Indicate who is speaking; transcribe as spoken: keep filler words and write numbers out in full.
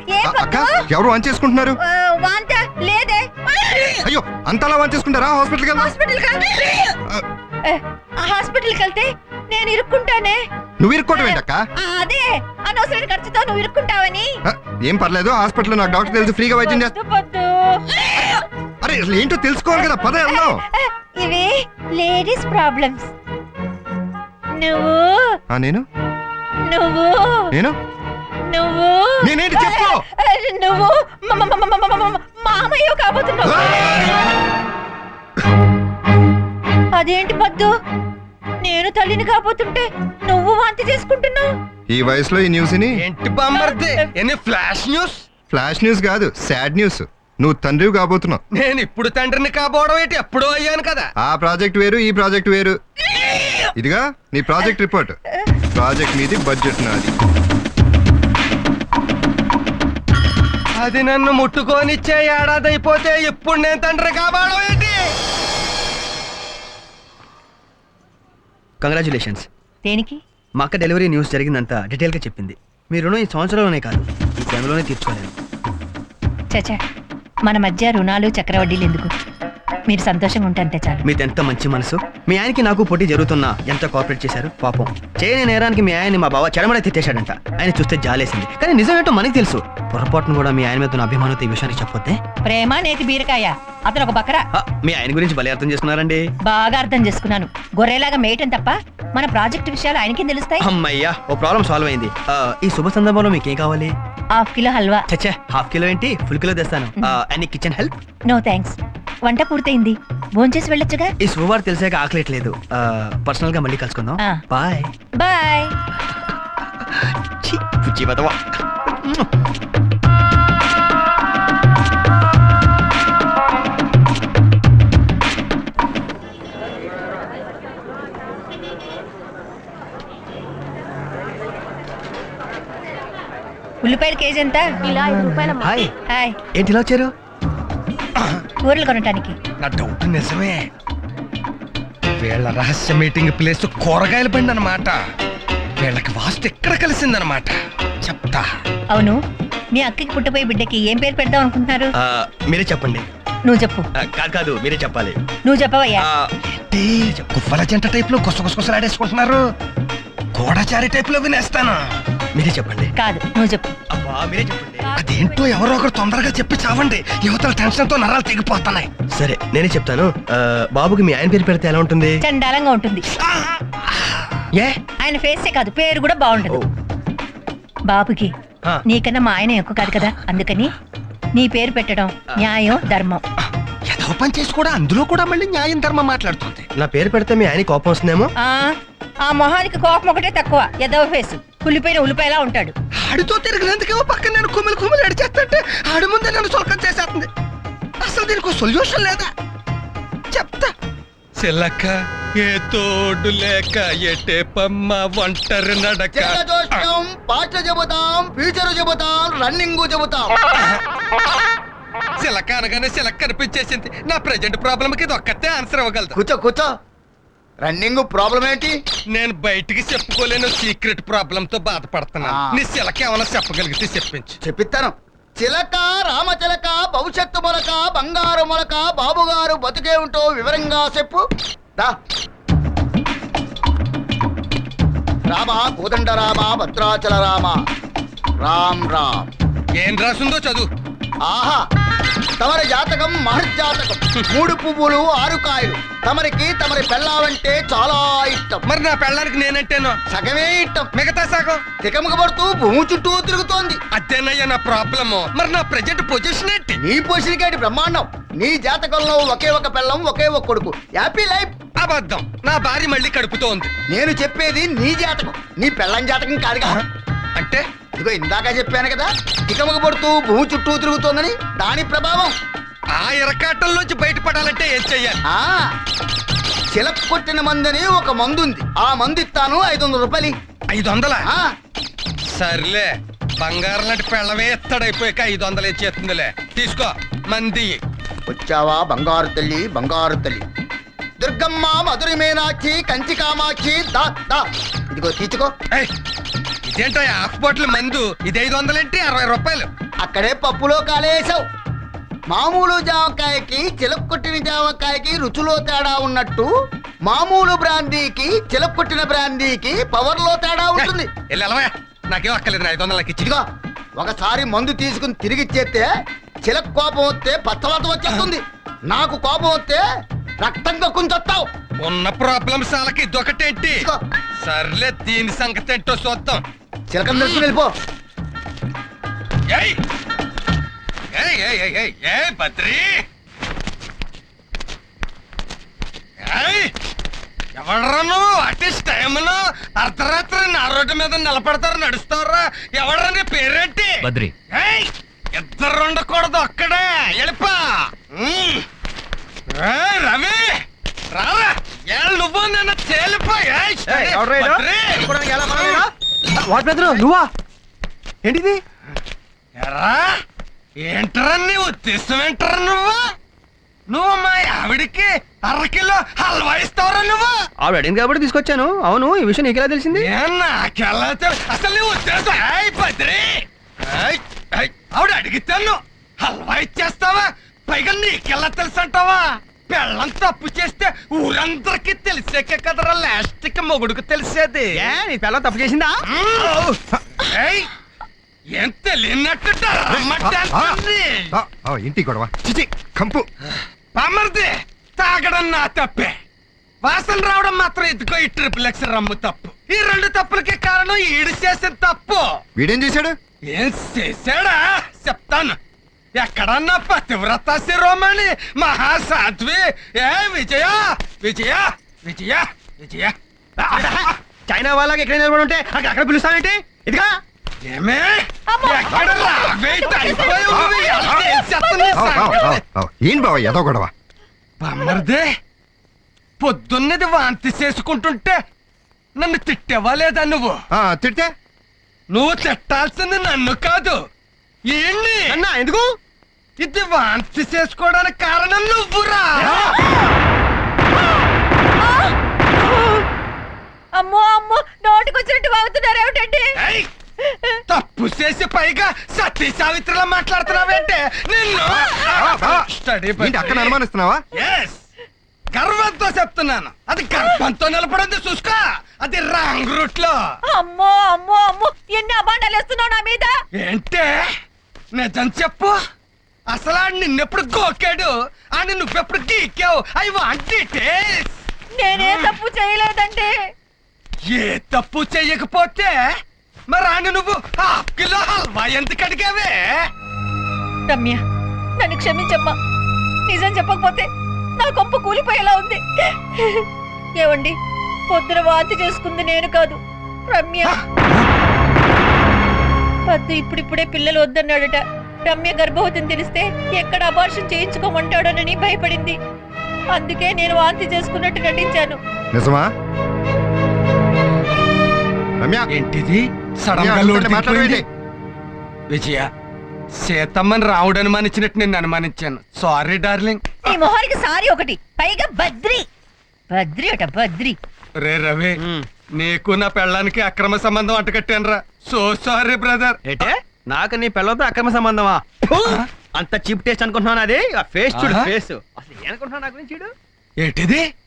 Speaker 1: అక్క ఎవరు వాన్ చేసుకుంటున్నారు?
Speaker 2: వాంత లేదే.
Speaker 1: అయ్యో అంతలా వాన్ చేసుకుంటారా? హాస్పిటల్కి
Speaker 2: హాస్పిటల్ హాస్పిటల్కి వెళ్తే నేను ఇరుక్కుంటానే.
Speaker 1: నువ్వు ఇరుక్కోవడం ఏంటక్క?
Speaker 2: అదే అనవసరమైన ఖర్చుతో నువ్వు ఇరుక్కుంటావని.
Speaker 1: ఏం పర్లేదు, హాస్పిటల్లో నాకు డాక్టర్ తెలుసు, ఫ్రీగా వైద్యం చేస్తా. అరే ఏంటో తెలుసుకోవాలి కదా, పద వెళ్దాం.
Speaker 2: ఇవి లేడీస్ ప్రాబ్లమ్స్. నువ్వు
Speaker 1: నేను
Speaker 2: నువ్వు
Speaker 1: నేను
Speaker 2: నువ్వు
Speaker 1: నేనేంటి చెప్పు.
Speaker 2: నువ్వు మామయ్య కాబోతున్నావు. అదేంటి పద్దు, నేను తల్లిని కాబోతుంటే నువ్వు వాంతి చేసుకుంటున్నావు.
Speaker 1: ఈ వయసులో ఈ న్యూస్ ని
Speaker 3: ఏంటి బామ్మర్ది? ఎన్ని ఫ్లాష్ న్యూస్?
Speaker 1: ఫ్లాష్ న్యూస్ కాదు, సాడ్ న్యూస్. నువ్వు తండ్రివి కాబోతున్నావు.
Speaker 3: నేను ఇప్పుడు తండ్రిని కాబోవడం ఏంటి, ఎప్పుడో అయ్యాను కదా.
Speaker 1: ఆ ప్రాజెక్ట్ వేరు, ఈ ప్రాజెక్ట్ వేరు. ఇదిగా నీ ప్రాజెక్ట్ రిపోర్ట్. ప్రాజెక్ట్ మీది, బడ్జెట్ నాది.
Speaker 3: అది నన్ను ముట్టుకోనిచ్చే ఏడాది అయిపోతే ఇప్పుడు నేను తండ్రి కాబోవడం ఏంటి?
Speaker 4: కంగ్రాచులేషన్స్.
Speaker 2: దేనికి?
Speaker 4: మా అక్క డెలివరీ న్యూస్ జరిగిందంతా డీటెయిల్గా చెప్పింది. మీ రుణం ఈ సంవత్సరంలోనే కాదు, ఈ టైంలోనే తీర్చుకోలేను.
Speaker 2: చచ్చా, మన మధ్య రుణాలు చక్రవడ్డీలు ఎందుకు? మీరు సంతోషంగా ఉంటే అంతే చాలు.
Speaker 4: మీది ఎంత మంచి మనసు. మీ ఆయనకి నాకు పోటీ జరుగుతున్నా ఎంత కోఆపరేట్ చేశారు. పాపం చేయని నేరానికి మీ ఆయన్ని మా బావ చెడమడ తిట్టేశాడంట. ఆయన చూస్తే జాలేసింది, కానీ నిజం ఏంటో మనకి తెలుసు. పొరపాటును కూడా మీ ఆయన మీద ఉన్న అభిమానంతో ఈ విషయానికి చెప్పొద్దే.
Speaker 2: ప్రేమ నేతి బీరకాయ, అతను ఒక బకరా.
Speaker 4: ఆ, మీ ఆయన గురించి భలే అర్థం చేసుకున్నారండి.
Speaker 2: బాగా అర్థం చేసుకున్నాను. గొర్రెలాగా మేయటం తప్ప మన ప్రాజెక్ట్ విషయాలు ఆయనకి తెలుస్తాయి.
Speaker 4: అమ్మయ్యా, ఓ ప్రాబ్లం సాల్వ్ అయింది. ఆ, ఈ శుభ సందర్భంలో మీకేం కావాలి?
Speaker 2: Half kilo halwa.
Speaker 4: చచ్చే, హాఫ్ కిలో ఏంటి, ఫుల్ కిలో తెస్తాను. Any kitchen help?
Speaker 2: No thanks, వంట పూర్తయింది, భోంచేసి వెళ్ళొచ్చుగా.
Speaker 4: ఈ శుభవార్త తెలిసాక ఆకలేట్లేదు. పర్సనల్ గా మళ్ళీ కలుసుకుందాం.
Speaker 2: ఆ.
Speaker 4: Bye
Speaker 2: bye.
Speaker 4: ఛీ, పుచ్చి బతవా.
Speaker 2: ఉల్లిపాయల కేజీ ఎంత?
Speaker 5: ఇలా ఐదు రూపాయల
Speaker 4: హాయ్,
Speaker 2: హాయ్.
Speaker 4: ఏంటి ఇలా వచ్చారు?
Speaker 2: కూరలు కొనటానికి.
Speaker 3: నా డౌట్ నిజమే. వీళ్ళ రహస్య మీటింగ్ ప్లేస్ కూరగాయల బండి అన్నమాట. వీళ్ళకి వాస్తు ఎక్కడ కలిసిందన్నమాట. చెప్తా.
Speaker 2: అవును, మీ అక్కకి పుట్టపోయే బిడ్డకి ఏం పేరు పెడదాం అనుకుంటున్నారు?
Speaker 4: ఆ, మీరే చెప్పండి.
Speaker 2: నువ్వు చెప్పు.
Speaker 4: ఆ, కాదు కాదు మీరే చెప్పాలి.
Speaker 2: నువ్వు చెప్పవయ్యా.
Speaker 4: ఆ,
Speaker 3: ఏంటి గువ్వల జంట టైప్ లో గుసగుసగుసలాడేసుకుంటున్నారు? గోడచారి టైప్ లో వినేస్తాను.
Speaker 4: మీరే చెప్పండి.
Speaker 2: కాదు, నువ్వు చెప్పు.
Speaker 4: అబ్బా, మీరే చెప్పండి.
Speaker 3: అదేంటో ఎవరో ఒకరు తొందరగా చెప్పి చావండి. యువతల టెన్షన్ తో నరాలు తెగిపోతున్నాయి.
Speaker 4: సరే నేనే చెప్తాను. ఆ, బాబుకి మీ ఆయన పేరు పెడితే ఎలా ఉంటుంది?
Speaker 2: చండాలంగా ఉంటుంది.
Speaker 4: ఏ
Speaker 2: ఆయన ఫేసే కాదు, పేరు కూడా బాగుంటది. బాబుకి
Speaker 4: ఆ.
Speaker 2: నీకన్నా మా ఆయన ఎక్కువ కాదు కదా, అందుకని నీ పేరు పెట్టడం న్యాయం ధర్మం.
Speaker 3: ఏదో పని చేసి కూడా అందులో కూడా మళ్ళీ న్యాయం ధర్మం మాట్లాడుతుంది.
Speaker 4: నా పేరు పెడితే మీ ఆయన కోపం వస్తుందేమో.
Speaker 2: ఆ ఆ మొహానికి కోపం ఒకటే తక్కువ, ఎదవ ఫేసు, కుళ్ళిపోయిన ఉల్లిపాయలా ఉంటాడు.
Speaker 3: ఆడితో తిరిగినందుకేమో పక్కన నేను కుమిలి కుమిలి అడిచేస్తుంటే ఆడి ముందే నన్ను సొలకం చేసేస్తుంది. అసలు దీనికి సొల్యూషన్ లేదా? చెప్తా. చిల్లక్క ఏ తోడు లేక ఎటే పమ్మ ఒంటరి నడక.
Speaker 6: పాట చెబుతాం, ఫ్యూచర్ చెబుతాం, రన్నింగ్ చెబుతాం.
Speaker 3: చిలక అనగానే చిలక కనిపించేసింది. నా ప్రెజెంట్ ప్రాబ్లమ్ కి ఇది ఒక్కతే ఆన్సర్ ఇవ్వగలదు.
Speaker 6: కూర్చో కూర్చో. రన్నింగ్ ప్రాబ్లం ఏంటి?
Speaker 3: నేను బయటికి చెప్పుకోలేను సీక్రెట్ ప్రాబ్లమ్ తో బాధపడుతున్నాను.
Speaker 6: ఆ.
Speaker 3: నీ చిలక ఏమైనా చెప్పగలిగితే చెప్పించు.
Speaker 6: చెప్పిస్తాను. చిలక రామచిలక భవిష్యత్తు మొలక బంగారు మొలక బాబుగారు బతుకే ఉంటో వివరంగా చెప్పు. దా. రామ కోదండ రామ భద్రాచల రామ రామ్ రామ్.
Speaker 3: ఏం రాసిందో చదువు.
Speaker 6: ఆహా, తమరి జాతకం మహర్జాతకం. మూడు పువ్వులు ఆరు కాయలు. తమరికి తమరి పెళ్ళావంటే చాలా ఇష్టం.
Speaker 3: మరి నా పెళ్ళానికి నేనంటేనో
Speaker 6: సగమే ఇష్టం.
Speaker 3: మిగతా సగం
Speaker 6: తికమక పడుతూ భూమి చుట్టూ తిరుగుతోంది.
Speaker 3: అదేనయ్యా నా ప్రాబ్లము. మరి నా ప్రెజెంట్ పొజిషన్ ఏంటి?
Speaker 6: నీ పొసిరికేటి బ్రహ్మాండం. నీ జాతకంలో ఒకే ఒక పెళ్ళం, ఒకే ఒక కొడుకు. Happy life.
Speaker 3: అబద్ధం. నా భార్య మళ్ళీ కడుపుతోంది.
Speaker 6: నేను చెప్పేది నీ జాతకం, నీ పెళ్ళం జాతకం కాదుగా.
Speaker 3: అంటే
Speaker 6: ఇదిగో ఇందాక చెప్పాను కదా, తికమక పడుతూ భూమి చుట్టూ తిరుగుతోందని. దాని ప్రభావం.
Speaker 3: ఆ ఇరకాటంలోంచి బయటపడాలంటే ఏం చెయ్యాలి?
Speaker 6: ఆ చిలక కొట్టిన మందని ఒక మందు ఉంది. ఆ మందు ఇస్తాను, ఐదు వందల రూపాయలు.
Speaker 3: ఐదు వందల
Speaker 6: ఆ,
Speaker 3: సర్లే. బంగారం లాంటి పెళ్ళమే ఎత్తడైపోయాక ఐదు వందలు ఇచ్చేస్తుందిలే. తీసుకో మంది.
Speaker 6: వచ్చావా బంగారు తల్లి, బంగారు తల్లి. దుర్గమ్మ, మధురి మీనాక్షి, కంచి కామాక్షి. దా దా ఇదిగో తీసుకో.
Speaker 3: ఏయ్, ఇదేంటో హాఫ్ బాటిల్ మందు ఇది ఐదు వందలేంటి అరవై రూపాయలు.
Speaker 6: అక్కడే పప్పులో కాలేసావు. మామూలు జామకాయకి చిలక్కొట్టిన జామకాయకి రుచిలో తేడా ఉన్నట్టు మామూలు బ్రాందీకి చిలక్కొట్టిన బ్రాందీకి పవర్ లో తేడా ఉంటుంది.
Speaker 3: వెళ్ళి వెళ్ళవా, నాకేం అక్కర్లేదు, ఐదు వందలకి ఇచ్చి.
Speaker 6: ఇదిగో ఒకసారి మందు తీసుకుని తిరిగి ఇచ్చేస్తే చిలక కోపం వస్తే పచ్చవాత వచ్చేస్తుంది. నాకు కోపం వస్తే రక్తంగా కుంచొస్తావు.
Speaker 3: ఉన్న ప్రాబ్లమ్స్ వాళ్ళకి ఇదొకటేంటి?
Speaker 6: ఇదిగో
Speaker 3: సర్లే దీని సంగతి ఏంటో చూద్దాం.
Speaker 6: చిలకని తెలుసుకుని వెళ్ళిపో.
Speaker 3: ఏయ్ ఏయ్ ఏయ్ ఏయ్ ఏయ్ ఏయ్ బద్రి, ఏయ్ ఎవడరా నువ్వు? అట్లీస్ట్ టైంలో అర్ధరాత్రి నా రోడ్డు మీద నిలబడతారు నడుస్తారా? ఎవడరా నీ పేరేంటి?
Speaker 5: బద్రి.
Speaker 3: ఏయ్ ఇద్దరు ఉండకూడదు అక్కడే వెళ్ళిపా. ఉమ్. ఏయ్ రవి రారా, ఏ నువ్వు నన్ను తేలిపో. ఏయ్, బద్రి.
Speaker 4: వాట్ బ్రదర్ నువ్వా? ఏంటిది?
Speaker 3: ఎరా ఏంటరా నీ ఉద్దేశం? ఏంటరా నువ్వు నువ్వు మా ఆవిడికి అరకిలో హల్వా ఇస్తావరా నువ్వు?
Speaker 4: ఆవిడ అడిగింది కాబట్టి తీసుకొచ్చాను. అవును, ఈ విషయం నీకెలా తెలిసింది?
Speaker 3: ఏ నాకెలా తెలు- అసలు నీ ఉద్దేశం? ఏయ్ బద్రి, ఏయ్, ఏయ్, ఆవిడ అడిగితేను హల్వా ఇచ్చేస్తావా? పైగా నీకెలా తెలుసు అంటావా? పెళ్ళం తప్పు చేస్తే ఊరందరికీ తెలిసాకే కదరా లాస్ట్ కి మొగుడుకు తెలిసేది.
Speaker 4: ఏ నీ పిల్ల తప్పు చేసిందా?
Speaker 3: మ్మ్. ఏయ్ ఏం తెలియనట్టు
Speaker 1: ఆ, ఆ, ఇంటి గొడవ చిచి కంపు.
Speaker 3: బామర్ది తాగడం నా తప్పే, వాసన రావడం మాత్రం ఇదిగో ఈ ట్రిపుల్ ఎక్స్ రమ్ము తప్పు. ఈ రెండు తప్పులకి కారణం ఈడు చేసిన తప్పు.
Speaker 1: వీడేం చేశాడు?
Speaker 3: ఏం చేశాడా చెప్తాను. ఎక్కడన్నా పతివ్రత శిరోమణి మహాసాధ్వి ఏ విజయ విజయ విజయ విజయ
Speaker 4: చైనా వాళ్ళకి ఎక్కడ నిలబడి ఉంటే అక్కడ అక్కడ పిలుస్తావేంటి? ఇదిగా
Speaker 3: ఏమే ఎక్కడ రావేంటి? అయిపోయావు నువ్వు. ఎలా చేసేస్తావు నీ
Speaker 1: ఆవ్, ఆవ్,
Speaker 3: సంగతి?
Speaker 1: ఆవ్, ఆవ్. ఏం బావ ఏదో గొడవ?
Speaker 3: బామ్మర్దే పొద్దున్నది వాంతి చేసుకుంటుంటే నన్ను తిట్టేవా లేదా నువ్వు?
Speaker 1: ఆ, తిడితే
Speaker 3: నువ్వు తిట్టాల్సింది నన్ను కాదు ఏంటి?
Speaker 4: అన్నా ఎందుకు?
Speaker 3: ఇది వాంతి చేసుకోవడానికి కారణం నువ్వురా.
Speaker 2: అమ్మో అమ్మో, నోటికొచ్చినట్టు వాగుతున్నారు ఏమిటండి?
Speaker 3: ఏయ్, తప్పు చేసి పైగా సతీ సావిత్రిలా మాట్లాడుతున్నావేంటే నిన్ను. స్టడీ
Speaker 1: ఏంటి అక్కడ అనుమానిస్తున్నావా?
Speaker 3: ఎస్, గర్వంతో చెప్తున్నాను. అది గర్భంతో నిలబడింది చూసుకో. అది రాంగ్ రూట్ లో.
Speaker 2: అమ్మో అమ్మో అమ్మో, ఎన్ని అబాండాలు వేస్తున్నావు నా మీద?
Speaker 3: ఏంటే నిజం చెప్పు. అసలు ఆడు నిన్నెప్పుడు గోకాడు అని నువ్వెప్పుడు గీకావు? I want details.
Speaker 2: నేనే తప్పు చేయలేదండి.
Speaker 3: ఏ తప్పు చెయ్యకపోతే మరి ఆని నువ్వు హాఫ్ కిలో హల్వా ఎందుకు అడిగావే?
Speaker 2: రమ్య, నన్ను క్షమించమ్మా. నిజం చెప్పకపోతే నా కొంప కూలిపోయేలా ఉంది. ఏవండి, పొద్దున వాంతి చేసుకుంది నేను కాదు, రమ్య. పద్దు ఇప్పుడిప్పుడే పిల్లలు వద్దన్నాడట. రమ్య గర్భవతిని తెలిస్తే ఎక్కడ అబార్షన్ చేయించుకోమంటాడోనని భయపడింది. అందుకే నేను వాంతి చేసుకున్నట్టు నటించాను.
Speaker 1: నిజమా రమ్య?
Speaker 3: ఏంటిది సడన్ గా
Speaker 1: రమ్య,
Speaker 3: లోటు
Speaker 1: మాట్లాడవేంటి?
Speaker 3: దిగిపోయింది? విజయ సీతమ్మని రావుడు అనుమానించినట్టు నేను అనుమానించాను. Sorry darling.
Speaker 2: ఈ మొహానికి సారీ ఒకటి, పైగా బద్రి బద్రి అట బద్రి.
Speaker 3: రే రవి, నీకు నా పెళ్ళానికి అక్రమ సంబంధం అంటకట్టానురా. So sorry brother.
Speaker 4: ఏంటే నాకు నీ పిల్లలతో అక్రమ సంబంధమా? అంత చీప్ టేస్ట్ అనుకుంటున్నాను. అది ఫేస్ చూడు,
Speaker 3: ఆహా.
Speaker 4: ఫేస్. అసలు ఏమనుకుంటున్నావు నా గురించి? చూడు.
Speaker 3: ఏంటిది